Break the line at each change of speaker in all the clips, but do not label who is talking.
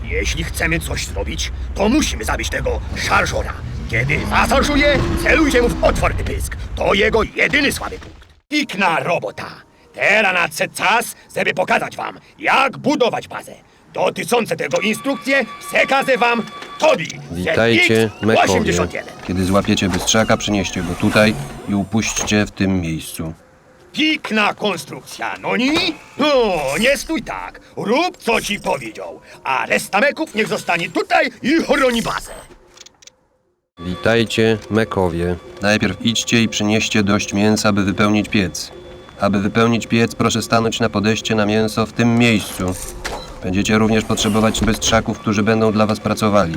Jeśli chcemy coś zrobić, to musimy zabić tego szarżora. Kiedy zasorżuje, celujcie mu w otwarty pysk. To jego jedyny słaby punkt. Pikna robota. Teraz nadszedł czas, żeby pokazać wam, jak budować bazę. Dotyczące tego instrukcje przekażę wam Tobi.
Witajcie, Mekowie.
81.
Kiedy złapiecie bystrzaka, przynieście go tutaj i upuśćcie w tym miejscu.
Pikna konstrukcja, no nie? No, nie stój tak. Rób, co ci powiedział. A reszta meków niech zostanie tutaj i chroni bazę.
Witajcie, Mekowie. Najpierw idźcie i przynieście dość mięsa, by wypełnić piec. Aby wypełnić piec, proszę stanąć na podejście na mięso w tym miejscu. Będziecie również potrzebować bystrzaków, którzy będą dla was pracowali.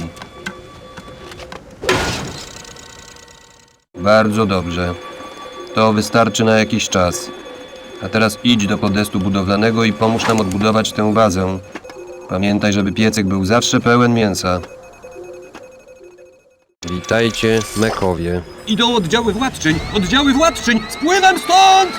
Bardzo dobrze. To wystarczy na jakiś czas. A teraz idź do podestu budowlanego i pomóż nam odbudować tę bazę. Pamiętaj, żeby piecek był zawsze pełen mięsa. Witajcie, Mekowie.
Idą oddziały władczyń! Oddziały władczyń! Spływam stąd!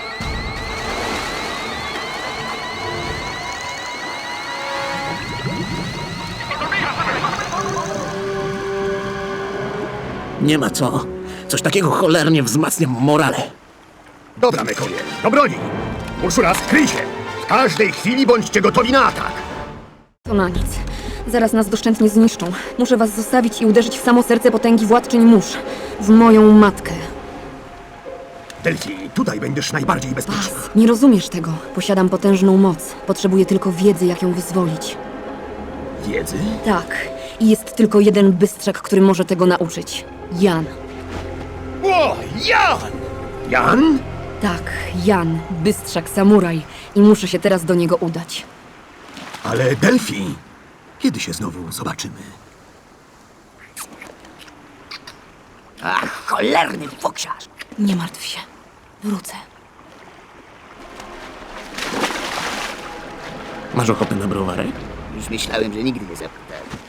Nie ma co. Coś takiego cholernie wzmacnia morale.
Dobra, mekowie, do broni. Urszula, skryj się. W każdej chwili bądźcie gotowi na atak.
To na nic. Zaraz nas doszczętnie zniszczą. Muszę was zostawić i uderzyć w samo serce potęgi władczyń mórz. W moją matkę.
Delphi, tutaj będziesz najbardziej bezpieczna.
Bas, nie rozumiesz tego. Posiadam potężną moc. Potrzebuję tylko wiedzy, jak ją wyzwolić.
Wiedzy?
Tak. I jest tylko jeden bystrzak, który może tego nauczyć. Jan.
O, Jan! Jan?
Tak, Jan. Bystrzak samuraj. I muszę się teraz do niego udać.
Ale Delphi, kiedy się znowu zobaczymy?
Ach, cholerny foksiarz.
Nie martw się. Wrócę.
Masz ochotę na browarek?
Już myślałem, że nigdy nie zapytam.